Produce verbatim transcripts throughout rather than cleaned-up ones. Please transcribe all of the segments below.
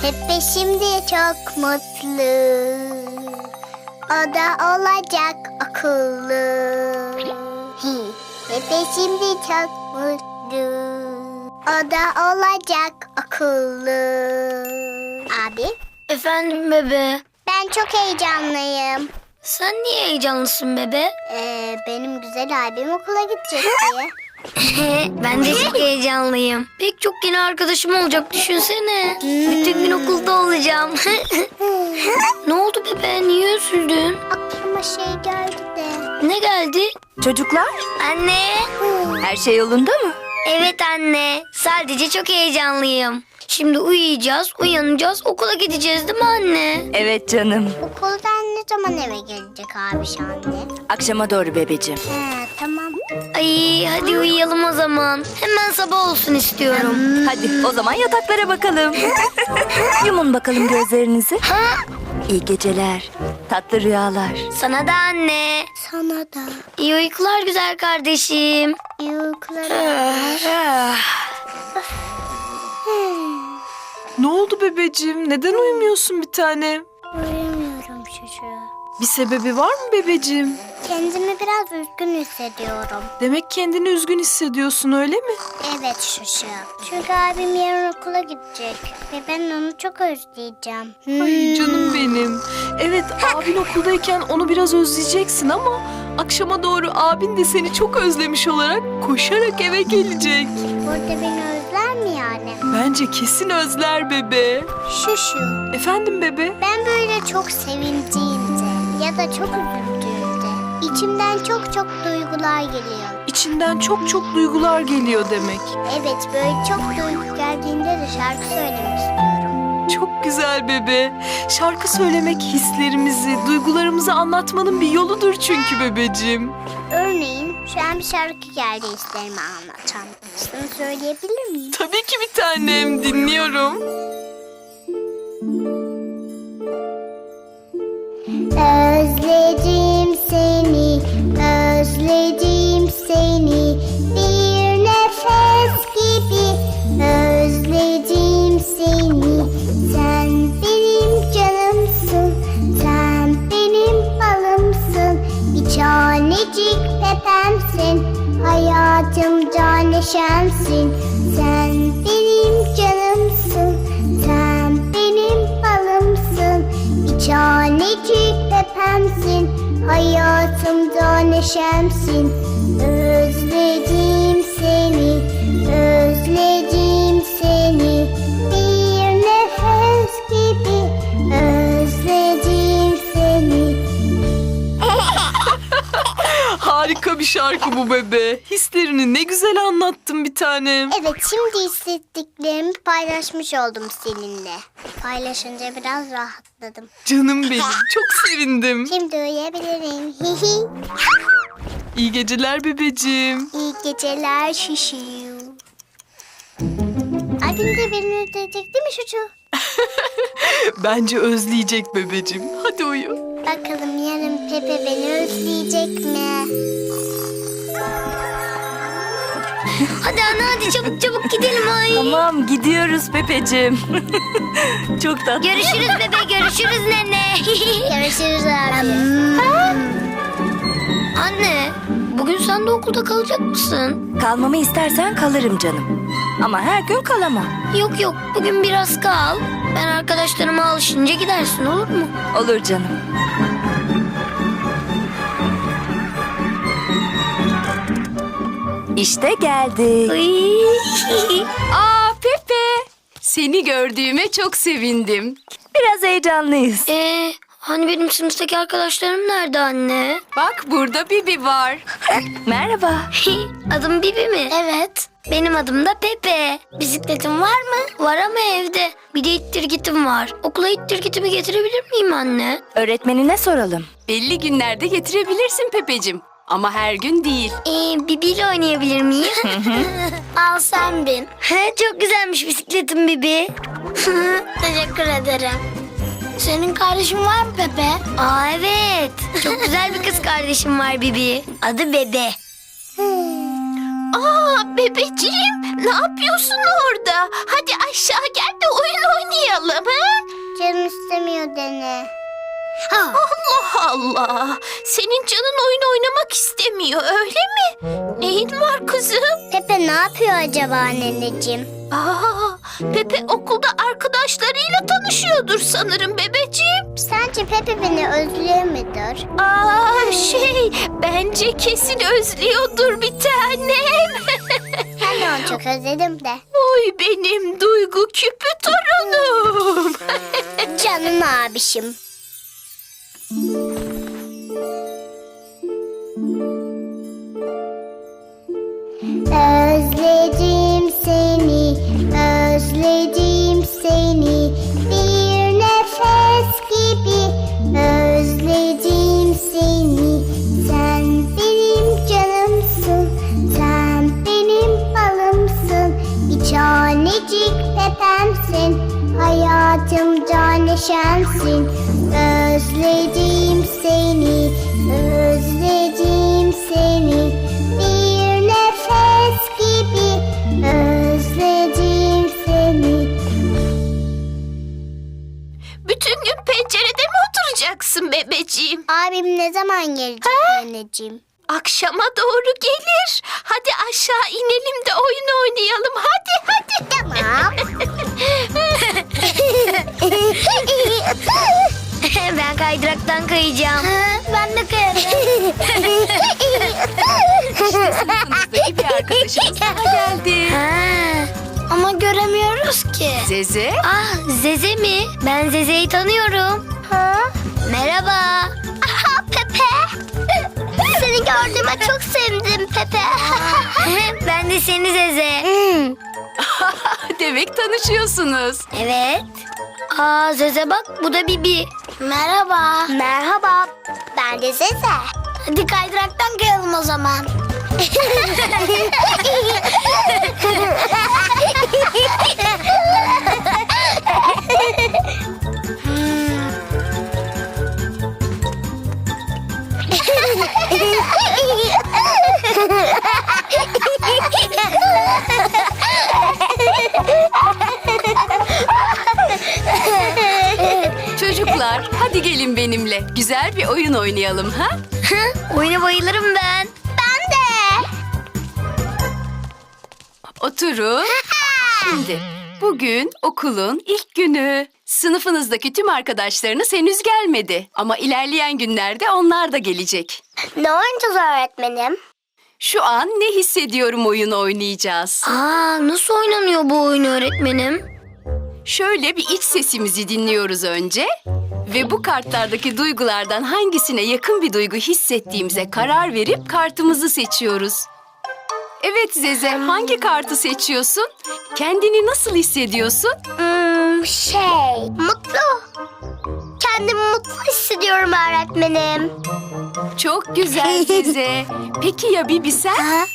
Pepe şimdi çok mutlu. O da olacak akıllı. Hi, Pepe şimdi çok mutlu. O da olacak akıllı. Abi? Efendim bebe. Ben çok heyecanlıyım. Sen niye heyecanlısın bebe? Ee, benim güzel abim okula gidecek diye. Ben de çok heyecanlıyım. Pek çok yeni arkadaşım olacak düşünsene. Bütün gün okulda olacağım. Ne oldu bebe? Niye üzüldün? Aklıma şey geldi de. Ne geldi? Çocuklar, Anne. her şey yolunda mı? Evet anne. Sadece çok heyecanlıyım. Şimdi uyuyacağız, uyanacağız, okula gideceğiz değil mi anne? Evet canım. Okuldan ne zaman eve gelecek abi anne? Akşama doğru bebeciğim. He, tamam. Ay hadi uyuyalım o zaman. Hemen sabah olsun istiyorum. Hadi o zaman yataklara bakalım. Yumun bakalım gözlerinizi. Ha? İyi geceler, tatlı rüyalar. Sana da anne. Sana da. İyi uykular güzel kardeşim. İyi uykular. Ne oldu bebeciğim? Neden uyumuyorsun bir tane? Uyumuyorum çocuğu. Bir sebebi var mı bebeciğim? Kendimi biraz üzgün hissediyorum. Demek kendini üzgün hissediyorsun öyle mi? Evet şuşu. Çünkü abim yarın okula gidecek. Ve ben onu çok özleyeceğim. Ay canım benim. Evet abin okuldayken onu biraz özleyeceksin ama akşama doğru abin de seni çok özlemiş olarak koşarak eve gelecek. Burada beni özler mi yani? Bence kesin özler bebe. Şuşu. Efendim bebe? Ben böyle çok sevindiğimde ya da çok üzüldüğümde içimden çok çok duygular geliyor. İçinden çok çok duygular geliyor demek. Evet, böyle çok duygu geldiğinde de şarkı söylemek istiyorum. Çok güzel bebe. Şarkı söylemek hislerimizi, duygularımızı anlatmanın bir yoludur çünkü bebeciğim. Örneğin şu an bir şarkı geldi hislerimi anlatan. Sana söyleyebilir miyim? Tabii ki bir tanem, dinliyorum. Özledim seni, özledim seni, bir nefes gibi özledim seni. Sen benim canımsın, sen benim balımsın, bir tanecik pepemsin, hayatımda neşemsin. Sen benim canımsın, sen benim balımsın, bir tanecik pepemsin, hayatımda neşemsin. Özledim seni, özledim seni, bir nefes gibi özledim seni. Harika bir şarkı bu bebe. Hislerini ne güzel anlattın bir tanem. Evet, şimdi hissettiklerimi paylaşmış oldum seninle. Paylaşınca biraz rahatladım. Canım benim, çok sevindim. Şimdi uyuyabilirim. Hihi. İyi geceler bebeciğim. İyi geceler şişi. Abim de beni özleyecek değil mi çocuğu? Bence özleyecek bebeciğim. Hadi uyu. Bakalım yarın Pepe beni özleyecek mi? Hadi anne hadi çabuk çabuk gidelim ay. Tamam gidiyoruz Pepeciğim. Çok tatlı. Görüşürüz bebe görüşürüz nene. Görüşürüz abi. Anne bugün sen de okulda kalacak mısın? Kalmamı istersen kalırım canım. Ama her gün kalamam. Yok yok bugün biraz kal. Ben arkadaşlarıma alışınca gidersin olur mu? Olur canım. İşte geldik. Ay. Aa Pepe, seni gördüğüme çok sevindim. Biraz heyecanlıyız. Ee, hani benim sınıftaki arkadaşlarım nerede anne? Bak burada Bibi var. Merhaba. Adım Bibi mi? Evet. Benim adım da Pepe. Bisikletim var mı? Var ama evde. Bir de ittirgitim var. Okula ittirgitimi getirebilir miyim anne? Öğretmenine soralım. Belli günlerde getirebilirsin Pepeciğim. Ama her gün değil. Ee, Bibi ile oynayabilir miyim? Al sen bin. Çok güzelmiş bisikletim Bibi. Teşekkür ederim. Senin kardeşin var mı Pepe? Aa evet. Çok güzel bir kız kardeşim var Bibi. Adı Bebe. Aa bebeciğim, ne yapıyorsun orada? Hadi aşağı gel de oyun oynayalım ha? Allah! Senin canın oyun oynamak istemiyor öyle mi? Neyin var kızım? Pepe ne yapıyor acaba anneciğim? Aa, Pepe okulda arkadaşlarıyla tanışıyordur sanırım bebeciğim. Sence Pepe beni özlüyor mudur? Aa şey, bence kesin özlüyordur bir tanem. Ben de onu çok özledim de. Oy benim duygu küpü torunum. Canım abişim. Özledim seni, özledim seni. Bir nefes gibi özledim seni. Sen benim canımsın, sen benim balımsın. Bir tanecik pepemsin, hayatımda neşemsin. Özledim seni, özledim seni. Bir nefes gibi özledim seni. Bütün gün pencerede mi oturacaksın bebeciğim? Abim ne zaman gelecek anneciğim? Akşama doğru gelir. Hadi aşağı inelim de oyun oynayalım. Hadi hadi. Tamam. Ben kaydıraktan kayacağım. Ben de kayarım. Sınıftaki bir arkadaşımız daha geldi. Ha, ama göremiyoruz ki. Zeze. Ah, Zeze mi? Ben Zeze'yi tanıyorum. Ha? Merhaba. Aha Pepe. Seni gördüğüme çok sevindim Pepe. Ben de seni Zeze. Demek tanışıyorsunuz. Evet. Aa Zeze bak, bu da Bibi. Merhaba. Merhaba. Ben de Zeze. Hadi kaydıraktan kayalım o zaman. Çocuklar hadi gelin benimle. Güzel bir oyun oynayalım ha? Oyuna bayılırım ben. Ben de. Oturun. Şimdi bugün okulun ilk günü. Sınıfınızdaki tüm arkadaşlarınız henüz gelmedi. Ama ilerleyen günlerde onlar da gelecek. Ne oynayacağız öğretmenim? Şu an ne hissediyorum oyunu oynayacağız. Aa nasıl oynanıyor bu oyun öğretmenim? Şöyle bir iç sesimizi dinliyoruz önce ve bu kartlardaki duygulardan hangisine yakın bir duygu hissettiğimize karar verip kartımızı seçiyoruz. Evet Zeze, hangi kartı seçiyorsun? Kendini nasıl hissediyorsun? Hmm, şey, mutlu. Kendimi mutlu hissediyorum öğretmenim. Çok güzel Zeze. Peki ya Bibi sen?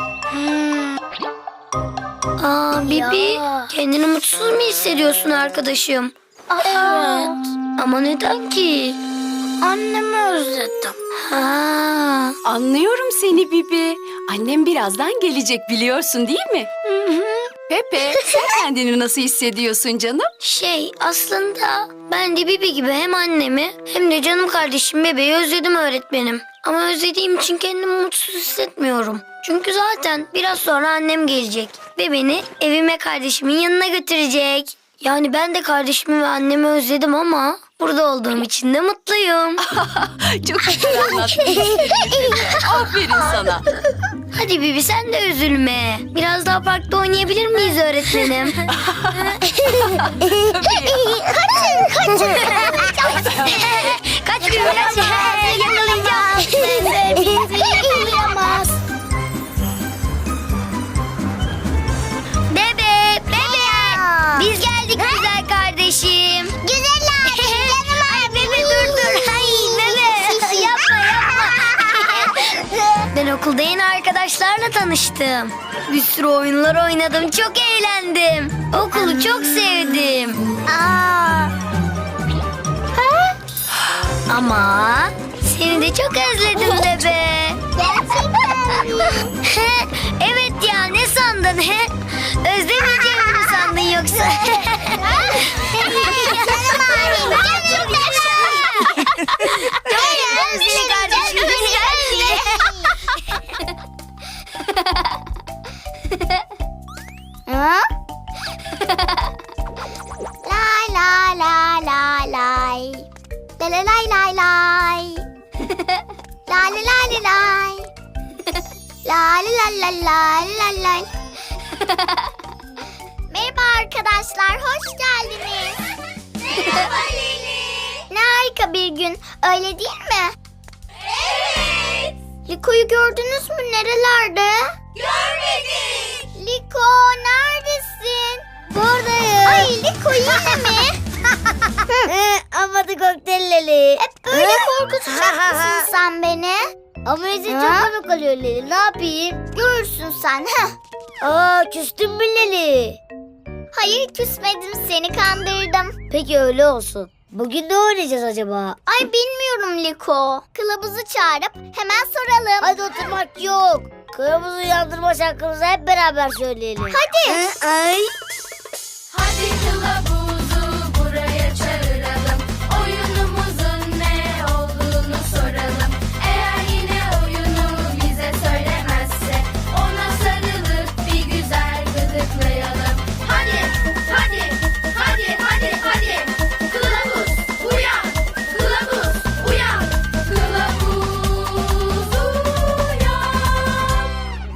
Aa Bibi, Ya. kendini mutsuz mu hissediyorsun arkadaşım? Evet. Ama neden ki? Annemi özledim. Ha. Anlıyorum seni Bibi. Annem birazdan gelecek biliyorsun değil mi? Pepe, sen kendini nasıl hissediyorsun canım? Şey aslında ben de Bibi gibi hem annemi hem de canım kardeşim bebeği özledim öğretmenim. Ama özlediğim için kendimi mutsuz hissetmiyorum. Çünkü zaten biraz sonra annem gelecek ve beni evime kardeşimin yanına götürecek. Yani ben de kardeşimi ve annemi özledim ama burada olduğum için de mutluyum. Çok güzel anlattın. Aferin sana. Hadi Bibi sen de üzülme. Biraz daha parkta oynayabilir miyiz öğretmenim? Kaç Bibi kaç. Yakalayacağım. Bizi yakalayamaz. Bebe, bebe. Biz geldik güzel kardeşim. Güzeller. Canım Ay bebe dur dur. Ay bebe. Yapma yapma. Ben okulda yeni arkadaşlarla tanıştım. Bir sürü oyunlar oynadım. Çok eğlendim. Okulu çok sevdim. Aa. Ama seni de çok özledim bebe. Gerçekten mi? Evet ya, ne sandın he? Özlemeyeceğimi mi sandın yoksa? Canım abim. Canım. Lay lay lay lay lay. La la lay lay lay. La la lay lay lay. La la la la la la la. Merhaba arkadaşlar, hoş geldiniz. Merhaba Lili. Ne harika bir gün, öyle değil mi? Evet. Liko'yu gördünüz mü? Nerelerde? Görmedik. Liko, neredesin? Buradayım. Ay Liko yine mi? Ama da kokteyl Leli. Hep böyle korkutacak mısın sen beni? Ama Ece çok komik oluyor Leli. Ne yapayım? Görürsün sen. Heh. Aa, küstün mü Leli? Hayır, küsmedim, seni kandırdım. Peki öyle olsun. Bugün ne oynayacağız acaba? Ay bilmiyorum Liko. Kılavuzu çağırıp hemen soralım. Hadi oturmak yok. Kılavuzu uyandırma şarkımızı hep beraber söyleyelim. Hadi. Ay. Hadi kılavuzu buraya çağıralım. Oyunumuzun ne olduğunu soralım. Eğer yine oyunu bize söylemezse ona sarılıp bir güzel gıdıklayalım. Hadi, hadi, hadi, hadi, hadi. Kılavuz uyan, kılavuz uyan, kılavuz uyan.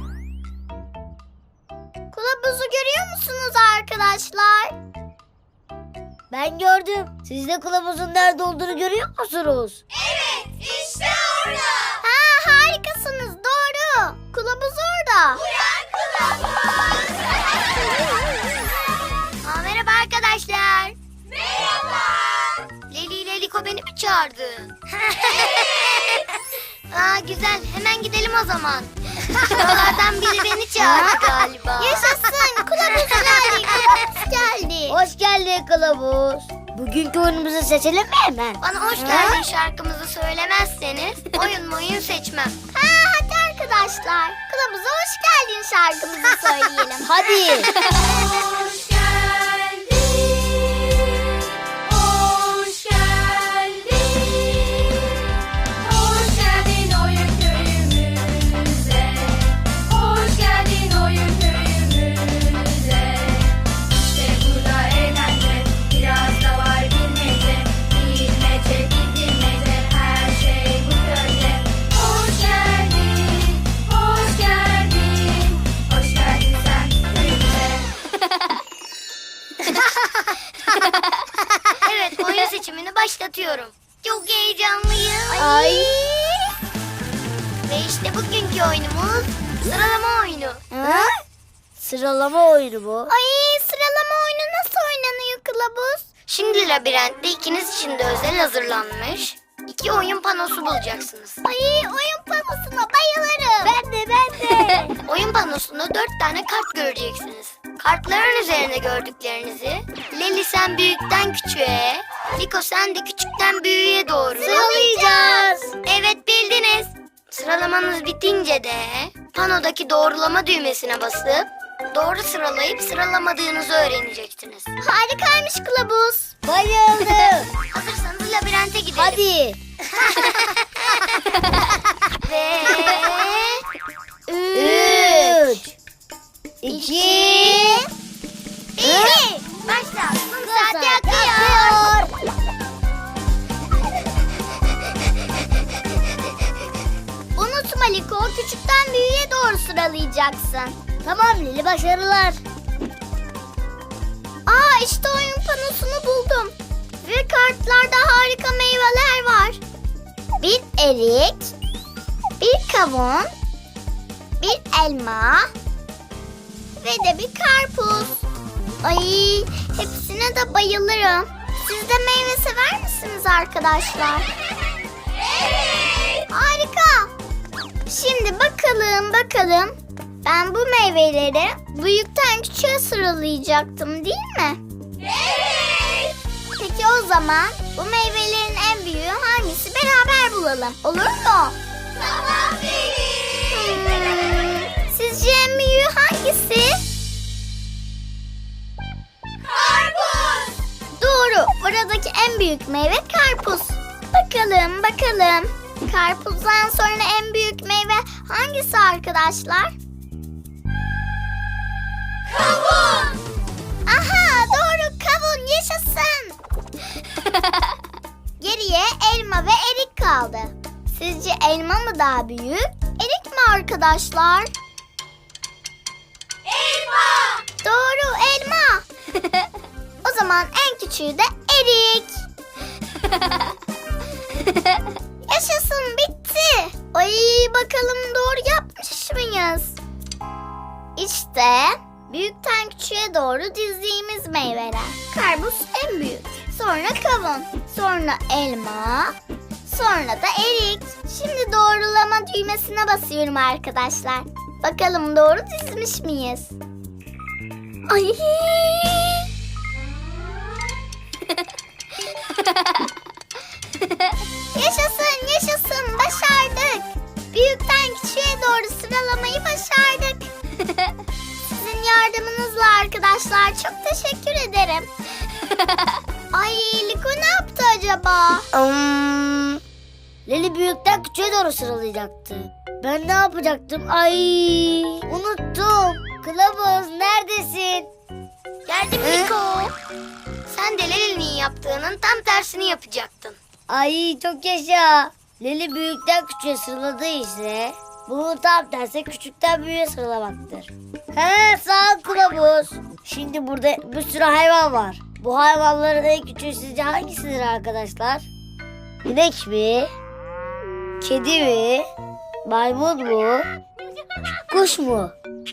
Kılavuzu görüyor musunuz arkadaşlar? Ben gördüm. Siz de kılavuzun nerede olduğunu görüyor musunuz? Evet, işte orada. Ha, harikasınız, doğru. Kılavuz orada. Uyan kılavuz. Aa, merhaba arkadaşlar. Merhaba. Leli ile Liko beni mi çağırdı? Aa, güzel, hemen gidelim o zaman. Şuralardan biri beni çağırdı galiba. Yaşasın, kılavuz geldi, kılavuz geldi. Hoş geldin kılavuz. Bugünkü oyunumuzu seçelim mi hemen? Bana hoş geldin şarkımızı söylemezseniz oyun oyun seçmem. Ha, hadi arkadaşlar. Kılavuza hoş geldin şarkımızı söyleyelim. Hadi. Hoş geldin, hoş geldin, hoş geldin oyun köyümüze, hoş geldin oyun köyümüze. İşte burada eğlence, biraz da var bilmece, bilmece, bilmece, her şey bu köyde. Hoş geldin, hoş geldin, hoş geldin sen köyümüze. Evet, oyun seçimini başlatıyorum. Çok heyecanlıyım. Ay. Ve işte bugünkü oyunumuz sıralama oyunu. Ha? Sıralama oyunu bu. Ay, sıralama oyunu nasıl oynanıyor kılavuz? Şimdi labirentte ikiniz için de özel hazırlanmış iki oyun panosu bulacaksınız. Ay, oyun panosuna bayılırım. Ben de ben de. Oyun panosunda dört tane kart göreceksiniz. Kartların üzerine gördüklerinizi Leli sen büyükten küçüğe, Liko sen de küçükten büyüğe doğru Sıralayacağız. Evet, bildiniz. Sıralamanız bitince de panodaki doğrulama düğmesine basıp doğru sıralayıp sıralamadığınızı öğreneceksiniz. Harikaymış kılavuz. Bayıldım. Hazırsanız labirente gidelim. Hadi. Ve... Üç. İki. Bir. Başla. Kum saati Saat akıyor. akıyor. Unutma Liko, küçükten büyüğe doğru sıralayacaksın. Tamam Lili, başarılar. Aa, işte oyun panosunu buldum. Ve kartlarda harika meyveler var. Bir erik, bir kavun, bir elma ve de bir karpuz. Ay, hepsine de bayılırım. Siz de meyve sever misiniz arkadaşlar? Evet. Harika. Şimdi bakalım bakalım. Ben bu meyveleri büyükten küçüğe sıralayacaktım, değil mi? Evet. Peki o zaman bu meyvelerin en büyüğü hangisi, beraber bulalım. Olur mu? Tamam hmm, Sizce en büyüğü hangisi? Karpuz. Doğru. Buradaki en büyük meyve karpuz. Bakalım bakalım. Karpuzdan sonra en büyük meyve hangisi arkadaşlar? Kavun. Aha, kaldı. Sizce elma mı daha büyük, erik mi arkadaşlar? Elma! Doğru, elma. O zaman en küçüğü de erik. Yaşasın, bitti. Ay, bakalım doğru yapmış mıyız? İşte büyükten küçüğe doğru dizdiğimiz meyveler. Karpuz en büyük. Sonra kavun. Sonra elma. Sonra da erik. Şimdi doğrulama düğmesine basıyorum arkadaşlar. Bakalım doğru dizmiş miyiz? Ay! Yaşasın, yaşasın. Başardık. Büyükten küçüğe doğru sıralamayı başardık. Sizin yardımınızla arkadaşlar çok teşekkür ederim. Ay, Liko ne yaptı acaba? Hmm, Leli büyükten küçüğe doğru sıralayacaktı. Ben ne yapacaktım? Ay, unuttum. Kılavuz neredesin? Geldim Liko. Sen de Leli'nin yaptığının tam tersini yapacaktın. Ay çok yaşa. Leli büyükten küçüğe sıraladığı ise bunun tam tersi küçükten büyüğe sıralamaktır. He, sağ ol kılavuz. Şimdi burada bir sürü hayvan var. Bu hayvanların en küçüğü sizce hangisidir arkadaşlar? İnek mi? Kedi mi? Maymun mu? Kuş mu?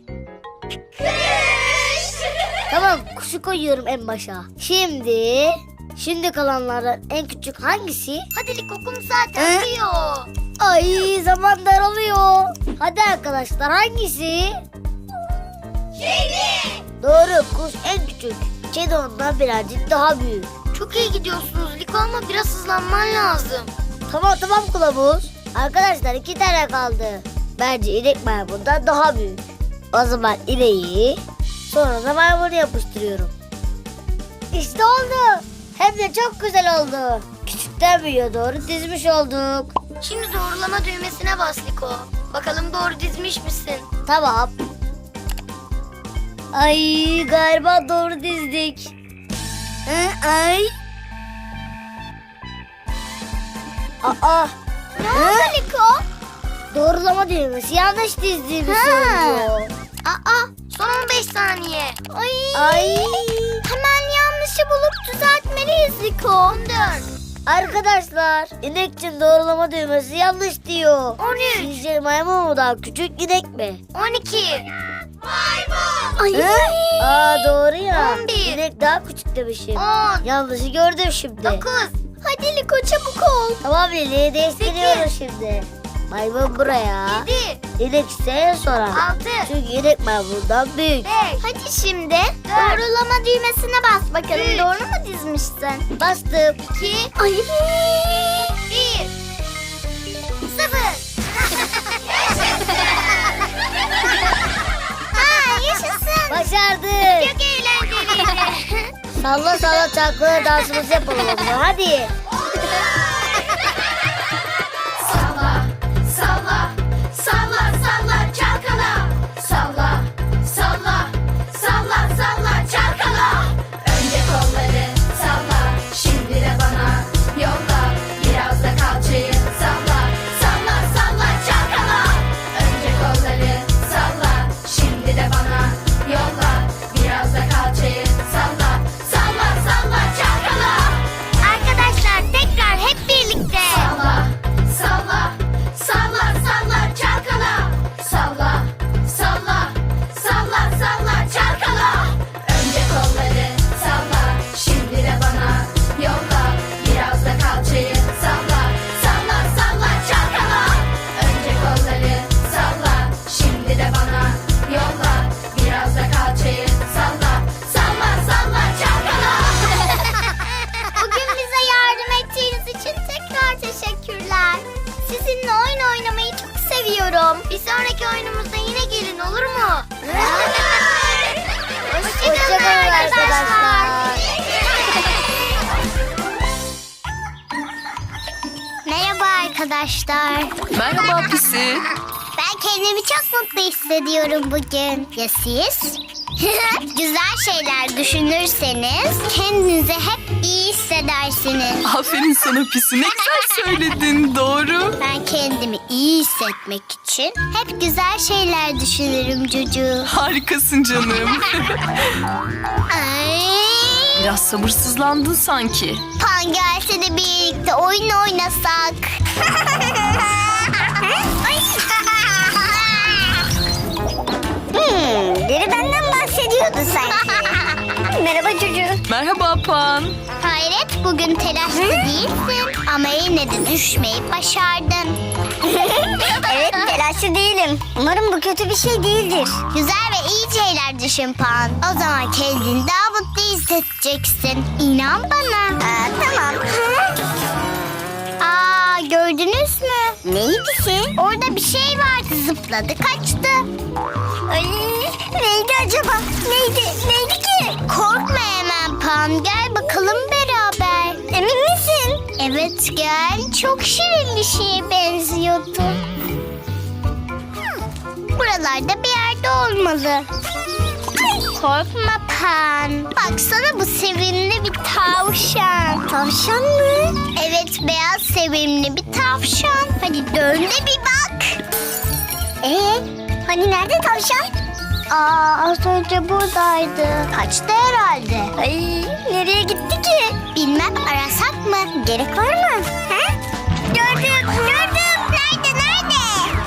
Tamam, kuşu koyuyorum en başa. Şimdi, şimdi kalanlardan en küçük hangisi? Hadi Liko, kum zaten diyor. Ay, zaman daralıyor. Hadi arkadaşlar, hangisi? Kedi. Doğru, kuş en küçük. Kedi ondan birazcık daha büyük. Çok iyi gidiyorsunuz Liko ama biraz hızlanman lazım. Tamam tamam kılavuz. Arkadaşlar iki tane kaldı. Bence inek maymundan daha büyük. O zaman ineği sonra da maymunu yapıştırıyorum. İşte oldu. Hem de çok güzel oldu. Küçükten büyüğe doğru dizmiş olduk. Şimdi doğrulama düğmesine bas Liko. Bakalım doğru dizmiş misin? Tamam. Ay, galiba doğru dizdik. Hı, ay. Aa. Ne oldu Liko? Doğrulama düğmesi yanlış dizdiğimi Ha. söylüyor. Aa, son on beş saniye. Ay. Ay. Hemen yanlışı bulup düzeltmeliyiz Liko. on dört. Arkadaşlar, inek için doğrulama düğmesi yanlış diyor. on üç. Sizce maymun mu daha küçük, inek mi? on iki. Maymun. Ay. Hı? Aa, doğru ya. on bir. İnek daha küçük demişim. on. Yanlışı gördüm şimdi. dokuz. Hadi Liko, çabuk ol. Tamam Lili, değiştiriyoruz şimdi. Maymun buraya. yedi. İnek ise en sonra. altı. Çünkü inek maymundan büyük. beş. Hadi şimdi doğrulama düğmesine bas bakalım. Üç. Doğru mu dizmişsin? Bastım. iki. Ay. bir. sıfır. Ha, yaşasın. Başardık. Çok eğlenceliydi. Salla salla çalkala dansımızı yapalım o zaman. Hadi. Salla, salla, salla, salla, çalkala. Salla, salla, salla, salla, çalkala. Önce kolları salla, şimdi de bana yolla. Biraz da kalçayı salla, salla, salla, çalkala. Önce kolları salla, şimdi de bana yolla. Biraz da kalçayı salla, salla, salla, çalkala. Arkadaşlar tekrar hep birlikte. Salla, salla, salla, salla, çalkala. Salla, salla, salla, salla, çalkala. Önce kolları salla, şimdi de bana yolla. Biraz da kalçayı salla, salla, salla, çalkala. Önce kolları salla, şimdi de bana yolla. Biraz da kalçayı salla, salla, salla, çalkala. Bugün bize yardım ettiğiniz için tekrar teşekkürler. Sizinle oyun oynamayı çok seviyorum. Bir sonraki oyunumuzda yine gelin, olur mu? Hoşçakalın Hoşçakalın arkadaşlar. arkadaşlar. Merhaba arkadaşlar. Merhaba Pisi. Ben kendimi çok mutlu hissediyorum bugün. Ya siz? Güzel şeyler düşünürseniz kendinizi hep iyi hissedersiniz. Aferin sana Pisi, ne güzel söyledin, doğru. Ben kendimi iyi hissetmek için hep güzel şeyler düşünürüm Cucu. Harikasın canım. Ay. Biraz sabırsızlandın sanki. Pan gelse de birlikte oyun oynasak. Hmm, biri benden bahsediyordu sanki. Merhaba çocuğum. Merhaba Pan. Hayret, bugün telaşlı değilsin ama yine de düşmeyi başardın. Evet, telaşlı değilim. Umarım bu kötü bir şey değildir. Güzel ve iyi şeyler düşün Pan. O zaman kendini daha mutlu hissedeceksin. İnan bana. Aa, tamam. Aa, gördünüz mü? Neydi ki? Orada bir şey vardı, zıpladı kaçtı. Ay, neydi acaba? Neydi? Neydi ki? Korkma hemen Pan, gel bakalım beraber. Emin misin? Evet gel, çok şirin bir şeye benziyordu. Buralarda bir yerde olmalı. Korkma Pan. Baksana, bu sevimli bir tavşan. Tavşan mı? Evet, beyaz sevimli bir tavşan. Hadi dön de bir bak. Ee, hani nerede tavşan? Aa, az önce buradaydı. Kaçtı herhalde. Ay, nereye gitti ki? Bilmem, arasak mı? Gerek var mı? Ha? Gördüm, gördüm. Nerede, nerede?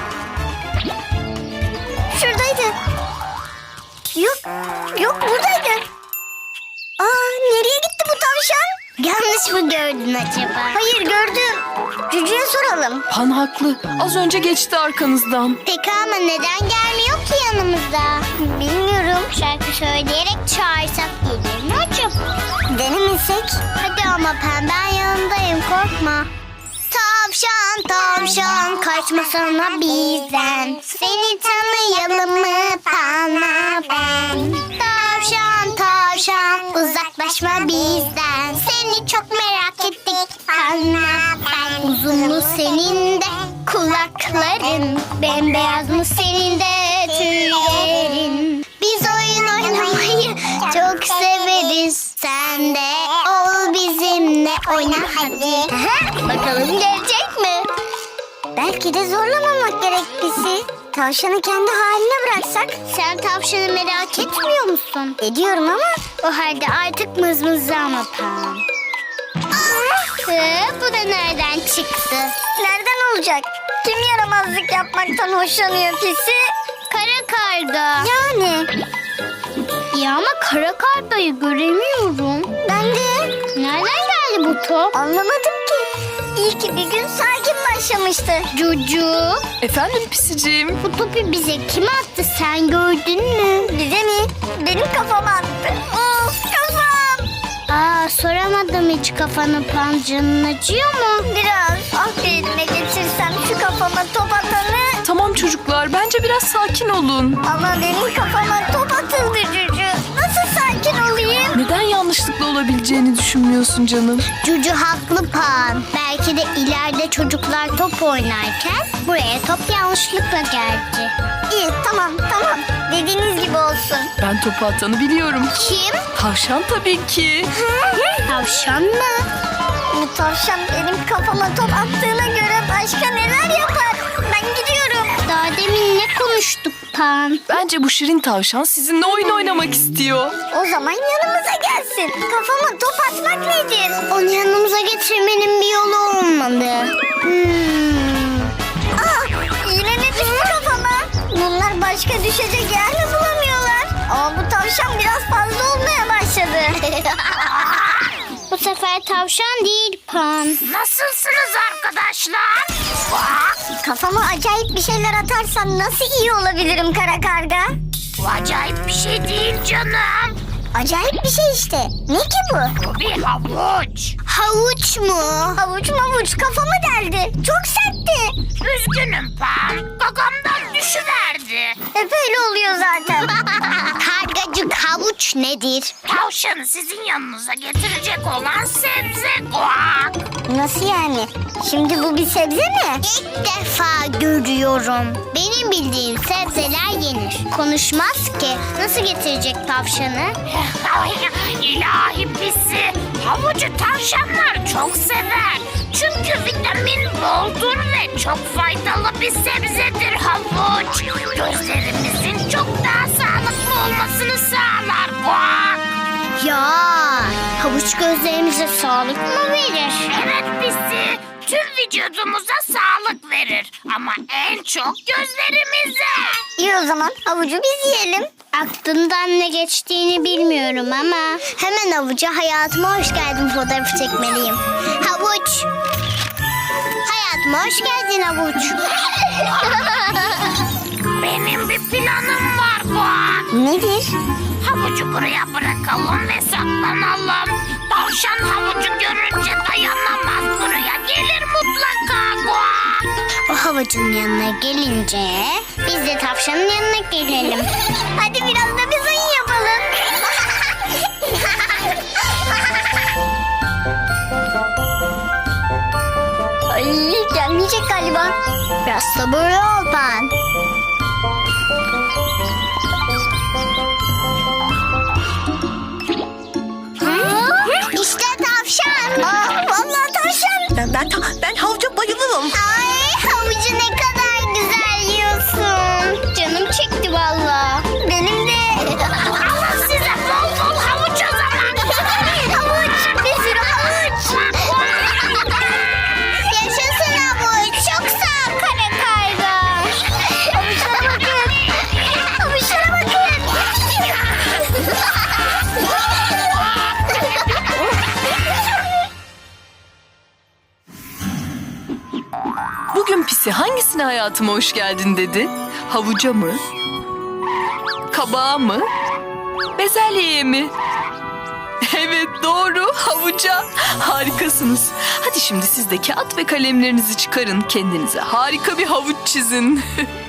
Şuradaydı. Yok, yok buradaydı. Aa, nereye gitti bu tavşan? Yanlış mı gördün acaba? Hayır, gördüm. Cücü'ye soralım. Pan haklı. Az önce geçti arkanızdan. Peki ama neden gelmiyor ki yanımıza? Bilmiyorum. Şarkı söyleyerek çağırsak gelir mi acaba? Denemesek? Hadi ama Pen, ben yanındayım, korkma. Tavşan tavşan kaçmasana bizden. Seni tanıyalım mı Pan'a ben? Tavşan tavşan uzaklaşma bizden. Seni çok merak ettik Pan'a ben. Uzun mu senin de kulakların? Bembeyaz mı senin de tüylerin? Biz oyun oynamayı çok severiz. Sen de ol bizimle oyna hadi. Bakalım gelecek mi? Belki de zorlamamak gerek bizi. Tavşanı kendi haline bıraksak. Sen tavşanı merak etmiyor musun? Ediyorum ama. O halde artık mızmızlama Pan. Hı, bu da nereden çıktı? Nereden olacak? Kim yaramazlık yapmaktan hoşlanıyor pisi? Kara karga. Yani. Ya ama kara kargayı göremiyorum. Ben de. Nereden geldi bu top? Anlamadım ki. İyi ki bir gün sakin başlamıştı. Cucu. Efendim Pisiciğim. Bu topu bize kim attı, sen gördün mü? Bize mi? Benim kafama attı. Of, kafam. Aa, soramadım hiç kafanı Pan, canın acıyor mu? Biraz. Ah, bir elime geçirsem şu kafama top atanı. Tamam çocuklar, bence biraz sakin olun. Ama benim kafama top atıldı Cücü. Nasıl sakin olayım? Neden yanlışlıkla olabileceğini düşünmüyorsun canım? Cucu haklı Pan. Belki de ileride çocuklar top oynarken buraya top yanlışlıkla geldi. İyi, tamam tamam. Dediğiniz gibi olsun. Ben topu atanı biliyorum. Kim? Tavşan tabii ki. Tavşan mı? Bu tavşan benim kafama top attığına göre başka neler yapar? Ben gidiyorum. Daha demin ne konuştuk Pan? Bence bu şirin tavşan sizinle oyun oynamak istiyor. O zaman yanımıza gelsin. Kafama top atmak nedir? Onu yanımıza getirmenin bir yolu olmalı. Hmm. Aa, yine ne düştü kafama? Bunlar başka düşecek yer mi bulamıyorlar? Ama bu tavşan biraz fazla olmaya başladı. Bu sefer tavşan değil Pan. Nasılsınız arkadaşlar? Kafama acayip bir şeyler atarsan nasıl iyi olabilirim kara karga? Bu acayip bir şey değil canım. Acayip bir şey işte. Ne ki bu? Bu bir havuç. Havuç mu? Havuç mavuç kafamı deldi. Çok sertti. Üzgünüm Pan. Gagamdan düşüverdi. Hep öyle oluyor zaten. Karga Cık havuç nedir? Tavşanı sizin yanınıza getirecek olan sebze guak. Nasıl yani? Şimdi bu bir sebze mi? İlk defa görüyorum. Benim bildiğim sebzeler yenir. Konuşmaz ki. Nasıl getirecek tavşanı? İlahi pisi. Havucu tavşanlar çok sever. Çünkü vitamin boldur ve çok faydalı bir sebzedir havuç. Gözlerimizin çok daha sağlıklı olmasını sağlar guak. Ya havuç gözlerimize sağlık mı verir? Evet pisi. Tüm vücudumuza sağlık verir. Ama en çok gözlerimize. İyi o zaman havucu biz yiyelim. Aklından ne geçtiğini bilmiyorum ama hemen havuca hayatıma hoş geldin fotoğrafı çekmeliyim. Havuç. Hayatıma hoş geldin havuç. Benim bir planım var guak. Nedir? Havucu buraya bırakalım ve saklanalım. Tavşan havucu görünce dayanamaz, buraya gelir mutlaka guak. O havucun yanına gelince biz de tavşanın yanına gelelim. Hadi biraz da biz oyun yapalım. Ay gelmeyecek galiba. Biraz sabırlı ol ben. İşte tavşan. Aa, vallahi tavşan. Ben ben, ben havuca bayılırım. Ay havucu ne kadar güzel yiyorsun. Canım çekti vallahi. Benim de. Alın size bol bol havuç o zaman. Havuç. Bir sürü havuç. Yaşasın havuç. Çok sağ ol kara karga. Havuçlara bakın. Havuçlara bakın. Bugün pisi hangisine hayatıma hoş geldin dedi? Havuca mı? Kabağa mı? Bezelyeye mi? Evet doğru, havuca. Harikasınız. Hadi şimdi siz de kağıt ve kalemlerinizi çıkarın. Kendinize harika bir havuç çizin.